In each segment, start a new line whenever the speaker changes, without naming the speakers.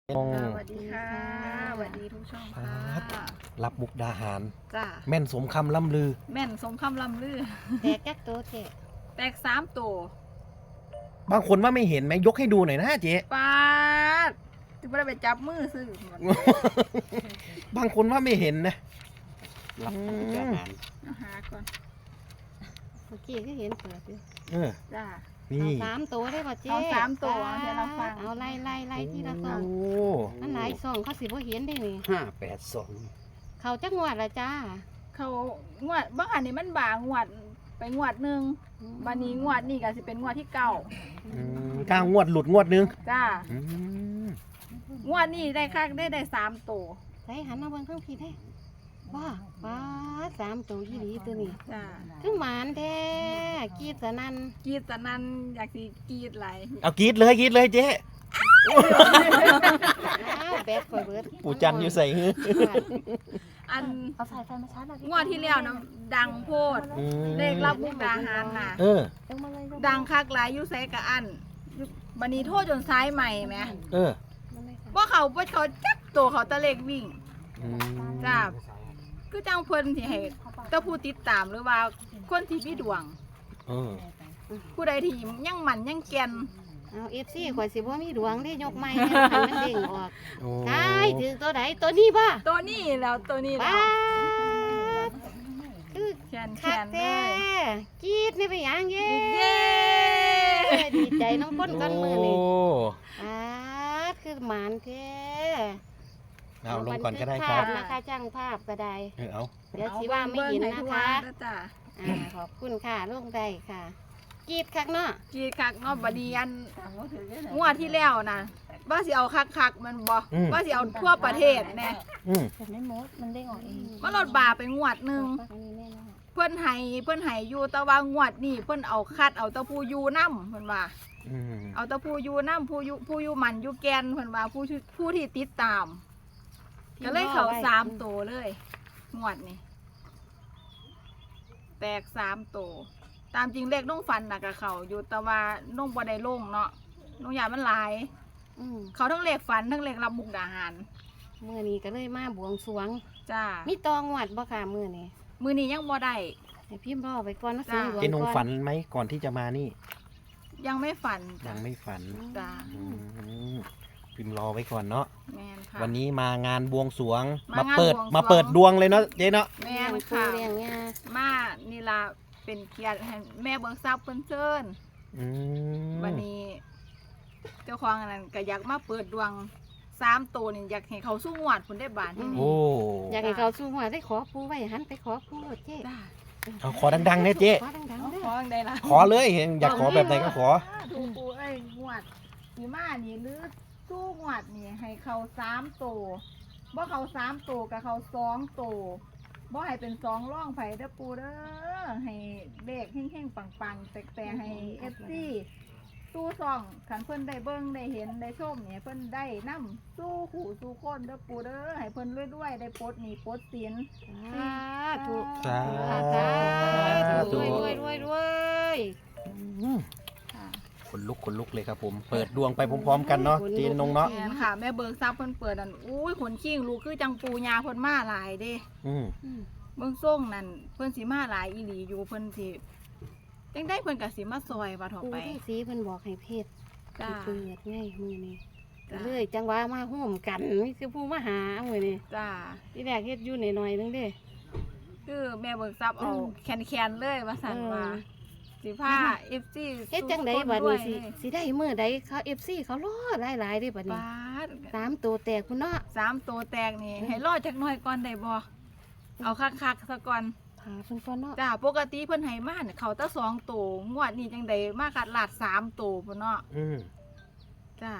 สวัสดีค่ะสวัสดีทุกช่องค่ะ
รับมุกดาหาร
จ้า
แม่นสมคำล่ำลือ
แม่นสมคำลำลือ
แตกจักตัวเจ๊
แตก3 ตัว
บางคนว่าไม่เห็นไหมยกให้ดูหน่อยนะเจ๊
ปาดจะไม่ได้ไปจับมือซื้อบ
างคนว่าไม่เห็นนะ
รับมุกดาหาร
เอาหาก่อน
เมื่อกี้ก็เห็นเปิดอยู่
จ้า
นี่
เอา3 ตัวได้ป่ะเจ๊
เอา3 ตัวเดี๋ยวเราฟัง
เอาไล่ที่ละซอง
โอ้
มันหลายซองเขาสิบ่เห็นได้นี่
582
เขาจักงวดละจ้า
เขางวดบางอันนี้มันบางงวดไปงวดหนึ่งบันนี้งวดนี่ก็สิเป็นงวดที่9
กลางงวดหลุดงวดนึง
จ้า
อืม
งวดนี้ได้คักได้3 ตัว
ใส่หันมาเบิ่งข้างพี่ได้ว้า3 ตัวยี่หลีตัวนี้
จ้า
คือหมานแท้กรีดสนั่น
กรีดตะนันอยากสิกรีดไหลาย
เอากรีดเลยเจ๊
อ้าวแบบข่อยเบิด
ปู่จันอยู่ใส่หื้อ
อัน
เอาสายไฟมาชาร์จหน่อย
งวดที่แล้วนะดังโพด
อืม
เลขรับมุกดาหารน่ะ
เออ
ดังคักหลายอยู่ไสกะอันบันนี้โทษจนซ้ายใหม่ไหม
เออ
ว่าเขาจักตัวเขาตะเลกวิ่ง
อืม
จ้าคือจังเพิ่นที่ให้แตะผู้ติดตามหรือว่าคนที่มีดวง
เออ
ผู้ใดที่ยังหมันยังแก่น
เอา FC ข่อยสิบ่มีดวงได้ยกไม้ให้มันเด้งออก
โอ้
ใช่ถือตัวไหนตัวนี้ป่ะ
ตัวนี้แล้วตัวนี้แล้
ป้าว ดคือ
แขน
คัก
เล
แท้
ย
กรีดนี่ไปหยังเย้
เย้
ดีใจน้องคนกันมือนี่
โอ้
คือหมานแท้
เอาลงก่อนก็ได้ค
ภา
รับ
พนะคะช่างภาพก็ได้
เอา
เดี๋ยวสิว่าไม่เห็นนะคะ
เบิ่งให้ทั่วเด้อจ้า
ขอบคุณค่ะลงได้ค่ะกรีดคักเนาะ
กรีดคักเนาะบัดนี้อันงวดที่แล้วนะว่าสิเอาคักๆมันบ่ว่าสิเอาทั่วประเทศแน่
อืม
แต่ไม่มดมันได้ออกเอง
มันลดบาไปงวดหนึง
อันนี้แน่นอน
เพิ่นให้อยู่แต่ว่างวดนี่เพิ่นเอาคัดเอาแตะผู้อยู่นำเพิ่นว่า
อืม
เอาแตะผู้อยู่นำผู้อยู่มันอยู่แกนเพิ่นว่าผู้ที่ติดตาม ก็เลยเข้า3 ตัวเลย งวดนี่แตก3 ตัวตามจริงเลขน้องฟันน่ะก็เข้าอยู่แต่ว่าน้องบ่ได้ลงเนาะน้องยามันหลาย เขาทั้งเลขฝันทั้งเลขรับมุกดาหาร
มื้อนี้ก็เลยมาบวงสรวง
จ้า
มีตองวัดบ่ค่ะมื้อนี้
มื้อนี้ยังบ่ได้
ให้พิมพ์รอไปก่อนนะ
จ้า
สิ
เจ๊นงฝันไหมก่อนที่จะมานี่
ยังไม่ฝัน
ยังไม่ฝัน
จ้า
อืมพิมพ์รอไว้ก่อนเนาะ
แม่นค่ะ
วันนี้มางานบวงสรวง
มางาน
เปิด
บวงสรวง
มาเปิดดวงเลยเนาะเจ๊เนาะ
แม่น
ค่ะ
ค่ะ
เลี้ยงงา
มานี่ล่ะเป็นเกียรติให้แม่เบิกทรัพย์เพิ่นเชิญ
อืม
วันนี้ เจ้าของอันนั้นก็อยากมาเปิดดวง3 ตัวนี่อยากให้เขาสู้งวดพุ่นได้บาทนี่
โอ้
อยากให้เขาสู้หัวได้ขอปูไว้หันไปขอปูเจ๊
จ้า
เอาขอดังๆเนี่ยเจ๊
ขอดังๆเด้อ
ขอจังไดล่ะ
ขอเลยอยากขอแบบไหนก็ขอ
ถูกปูเอ้ยงวดสิมานี่หรือสู้งวดนี่ให้เขา3 ตัวบ่เขา3 ตัวกับเขา2 ตัวบ่ให้เป็น2ร่องไผเด้อปูเด้อให้เลขแห้งๆปังๆแต่ให้ FC สู้ซ่องคันเพิ่นได้เบิ่งได้เห็นได้ชมเนี่ยเพิ่นได้นำสู้ขู่สู้คนเด้อปูเด้อให้เพิ่นรวยๆได้ปลดหนี้ปลดสิน
สาธุ
สา
ธุรวยรวย
อืม
ค่ะ
ขนลุกเลยครับผม เปิดดวงไปพร้อมๆกันเนาะเจ๊นงเนาะ
แม่นค่ะแม่เบิกทรัพย์เพิ่นเปิดอันอุ้ยขนขิงลูกคือจังปูยาเพิ่นมาหลายเด้
อืม
เบิ่งส่งนั่นเพิ่นสิมาหลายอีหลีอยู่เพิ่นสิจังได้เพิ่นก็สิมาซอยว่าเถาะ
ปู
ไป
ที่สีเพิ่นบอกให้เพศ
จ้า
เปิดไงมื้อนี้
จ้า
เลยจังหวะมาห่วมกันนี่คือผู้มาหามื้อนี้
จ้า
ที่แรกเฮ็ดอยู่หน่อยๆนึงเด้
คือแม่เบิกทรัพย์เอาแคนๆเลยว่าซั่นว่าสิพา FC
เฮ็ดจังไดบัดนี้สิได้มื้อใดเขา FC เขารอหลายๆเด้บัดนี้
บาด
3ตัวแตกพุ่นเนาะ
3 ตัวแตกนี่ให้รอจักหน่อยก่อนได้บ่เอาคักๆซะก่อน
หาเพิ่นก่อนเนาะ
จ้าปกติเพิ่นให้มาเนี่ยเขาแตะ2ตัวงวดนี้จังไดมากัดลาด3ตัวพุ่นเนาะ
อืม
จ้า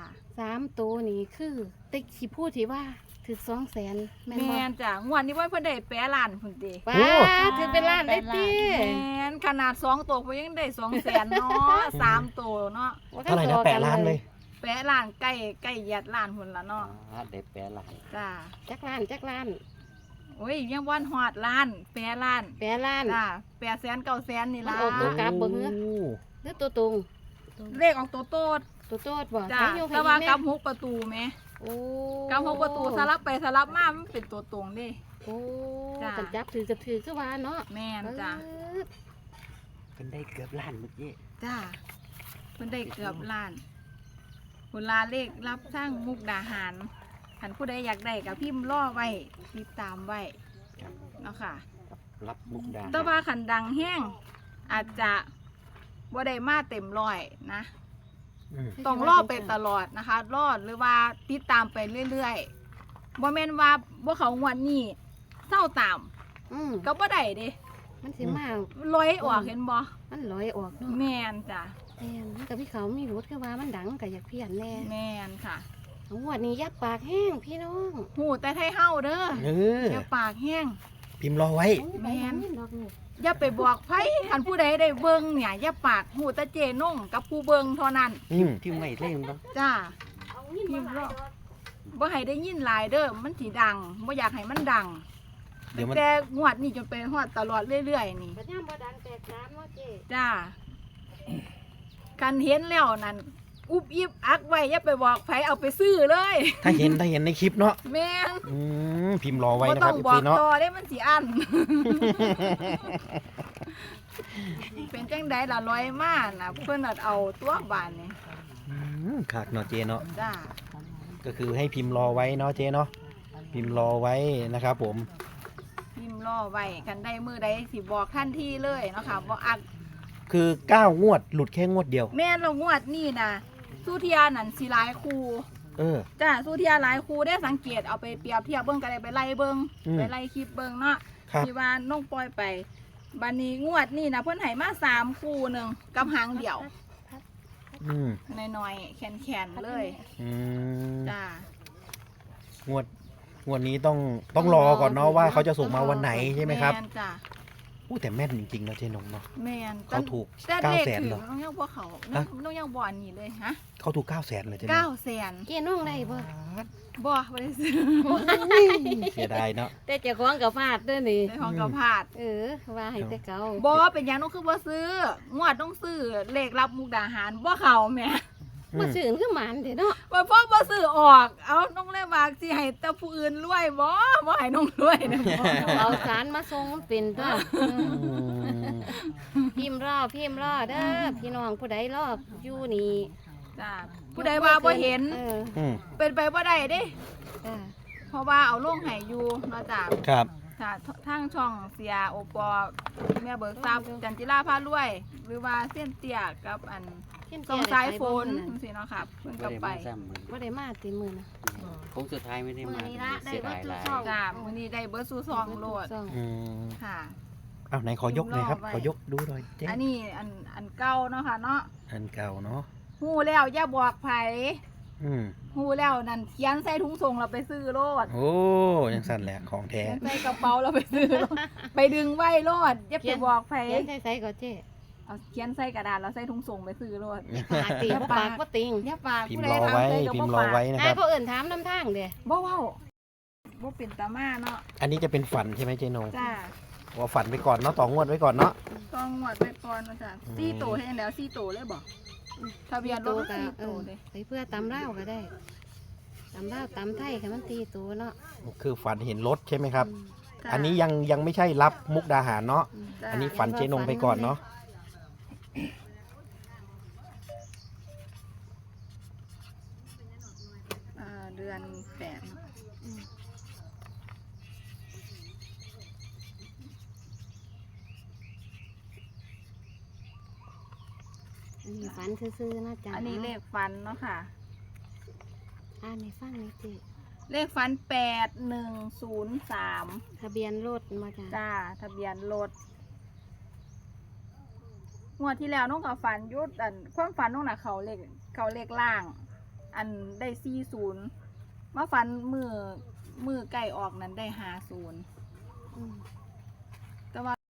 3ตัวนี่คือติ๊กสิพูดที่ว่าถึก200,000แม่นบ่
แม่นจ้างวดนี้ว่าเพิ่นได้แปะล้านพุ่นติ
ว้าถือเป็นล้านได้ติ
แม่นขนาด2ตัวเพิ่นยังได้200,000เนาะ3ตัวเนาะ
เท่าไหร่นะ8 ล้านเลย
แปะล้านใกล้เหยียดล้านพุ่นละเนาะ
ได้แปลหลาย
จ้า
จักล้าน
โอ้ยยังบ่ฮอดล้านแปะล้าน
แปดล้าน
จ้า800,000 900,000นี่ล่ะ
มันออกตัวกลับบ่ หือ หรือตัวตรง
เลขออกตัวโตด
ตัวโตดบ่
จ้า
ใช้โยกให้
แต่ว่า
แม่
กับ6ประตูแหม
โอ้
กับ6ประตูสลับไปสลับมามันเป็นตัวตรงเด้
โอ้
จ้ะ
กันจับถือก็ถือคือว่าเนาะ
แม่นจ้ะ
เออ
เป็นได้เกือบล้านเมื่อกี้
จ้าเพิ่นได้เกือบล้านเวลาเลขรับสร้างมุกดาหารคันผู้ใดอยากได้ก็พิมพ์รอไว้ติดตามไว้
ครับ
เนาะค่ะ
รับมุกดา
แต่ว่าคันดังแห้งอาจจะบ่ได้มาเต็มร้อยนะ
อืม
ต้องรอไปตลอดนะคะ รอดหรือว่าติดตามไปเรื่อยๆบ่แม่นว่าบ่เขางวดนี้เศร้าตาม
อืม
ก็บ่ได้เด้
มันสิมา
ลอยออกเห็นบ่
มันลอยออกเนาะ
แม่นจ้ะ
แม่นมันกับพี่เขามีรถคือว่ามันดังก็อยากเพี้ยนแน่
แม่นค่ะ
งวดนี้ยับปากแห้งพี่น้อง
หูแต่ไทยเฮาเด้อ
เออ
อย่าปากแห้ง
พิมพ์รอไว้
แม่น
ดอกนี่
อย่าไปบอกไผคันผู้ใดได้เบิ่งเนี่ยอย่าปากหูแต่เจนงกับผู้เบิ่งเท่านั้น
อืม
ที่ไม่เล่นบ้าง
จ้าพิมพ์รอบ่ให้ได้ยินหลายเด้อมันสิดังบ่อยากให้มันดัง
เดี๋ยวมัน
แต่งวดนี้จนไปฮอดตลอดเรื่อยๆนี่
ปัญญามบ่ดังแตกสามเนาะเจ๊
จ้ากันเห็นแล้วนั่นอุบอิบอักไว้อย่าไปบอกไผเอาไปซื้อเลย
ถ้าเห็นในคลิปเนาะ
แม่น
พิมพ์รอไว้
บ่
นะค
ต้
รั
อบ ง
พี่
บอก
เนาะ
ต่อได้มันสิอัน เป็นจังไดล่ะร้อยมาน่ะเพิ่นน่ะเอาตัวบานนี่
ขากเนาะเจเนาะ
จ้า
ก็คือให้พิมพ์รอไว้เนาะเจเนาะพิมพ์รอไว้นะครับผม
พิมพ์รอไว้กันได้มือใดสิบอกทันทีเลยเนาะค่ะบ่อัก
คือ9งวดหลุดแค่งวดเดียว
แม่นเรางวดนี่นะสุเทียนั่นสิหลายครู
เออ
จ้าสุเทียหลายครูได้สังเกตเอาไปเปรียบเทียบเบิ่งก็ได้ไปไล่เบิ่ง
อืม
ไปไล่คลิปเบิ่งเนาะ
ครับ
ที่ว่าน้องปล่อยไปบัดนี้งวดนี่นะเพิ่นให้มา3คู่หนึงกับหางเดียว
อืม
น้อยๆแข็งๆเลย
อืม
จ้าง
วดนี้ต้องรอก่อนเนาะว่าเขาจะส่งมาวันไหนใช่ไหมครับ
แม่นจ้า
อู้แต่แม่นจริงๆนะเจนงเนาะ
แม่น
เขาถูก
แต่
900,000
เลข
เหรอ
น้องยังบ่เขา
ฮะ
น้องยังบ่อันนี้เลยฮะ
เขาถูก900,000เลยเจนง
900,000
เจ๊น้องได้บ่
บ่บ่ได้ซื้อ
เสียดายเนาะ
แต่เจ้าของก็พลาดเด้อนี่
ในห้องกระพาด
เออว่าให้แต่เก่า
บ่เป็นหยังน้องคือบ่ซื้องวดต้องซื้อเลขรับมุกดาหารบ่เข้าแหม่
บ่ซื่นคือหมันเด้เนาะ
ว่าพ่อบ่ซื้อออก เอาน้องเลยว่าสิให้แต่ผู้อื่นรวยบ่ให้น้องรวยนะบ่
เอาสารมาส่งมันเป็นตัว
อืม
พิมพ์รอเด้อพี่น้องผู้ใดรออยู่นี่
จ้าผู้ใดว่าบ่เห็น
เออ
อืม
เป็นไปบ่ได้เด้
จ้า
เพราะว่าเอาลงให้อยู่เนาะจ้า
ครับ
จ้าทางช่องเสียโอปอแม่เบิกทรัพย์จันจิราพารวย หรือว่าเส้นเตี้ยกับอัน
เขียน
สอง
เตี้
สายฝน
ได้
จังซี่เนาะครับเพิ่น
ก็
ก็
ได้
ไป
มาซ้ำมือ
บ่ได้มาติมื้อนะ
โค้งสุดท้ายไม่ได้มา
มื้อนี้ละได้
เสียดาย
วัตถุ
หลาย
ซ่อม
จ้ามื้อนี้ได้เบิดสู่ซองโลด
ซ่อง
อืม
ค่ะ
เอาไหนขอยกหน่อยครับ
รอไว้
ขอยกดูหน่อยเจ๊
อันนี้อันเก่าเนาะค่ะเนาะ
อันเก่าเนาะ
ฮู้แล้วอย่าบอกไผ
อืม
ฮู้แล้วนั่นเขียนใส่ถุงส่งเราไปซื้อโลด
โอ้ยังสั่นแหละของแท้
เขียนใส่กระเป๋าเราไปซื้อโลด ไปดึงไว้โลดอย่าไปบอกไผ
เขียนใส่ๆก็เจ๊
เอาเขียนใส่กระดาษแล้วใส่ถุงส่งไปซื้อโลด
ปากติบ่ปากบ่ติง
อย่าปาก
พิม
ผู้
พ์
ใด
รอ
ถาม
ไว้
ใส่ก็
พิ
บ่
มพ์รอ
ปาก
ไว้นะค
อ้าย
รับ
ผู้อื่นถามนำทางเด้
บ่เว้าบ่เป็นตามาเนาะ
อันนี้จะเป็นฝันใช่ไหมเจนง
จ้า
ว่าฝันไปก่อนเนาะต่องวดไว้ก่อนเนาะ
ต้องงวดไว้ก่อนว่าจ้ะ
อืม
4โตให้แล้ว4โตเลยบ่ทะเบียนรถ4โตเลย
ไปเพื่อตำเล่าวก็ได้ตำเล่าวตำไทยค่ะมันตีตัวเนาะ
คือฝันเห็นรถใช่ไหมครับ
จ้ะ
อันนี้ยังไม่ใช่รับมุกดาหารเนาะ
จ้ะ
อันนี้ฝันเจนงไปก่อนเนาะ
เดือน8เนาะ
อันนี้ฝันซื่อๆนะจ๊ะ
อันนี้เลขฟันเนาะค่ะ
อ่านในฟังนี่เจ๊
เลขฟัน8103
ทะเบียนรถมาจ้ะ
จ้าทะเบียนรถงวดที่แล้วน้องกับฝันยุดอันความฝันน้องน่ะเขาเลขล่าง อันได้40มาฝันมือไก่ออกนั้นได้50
อืม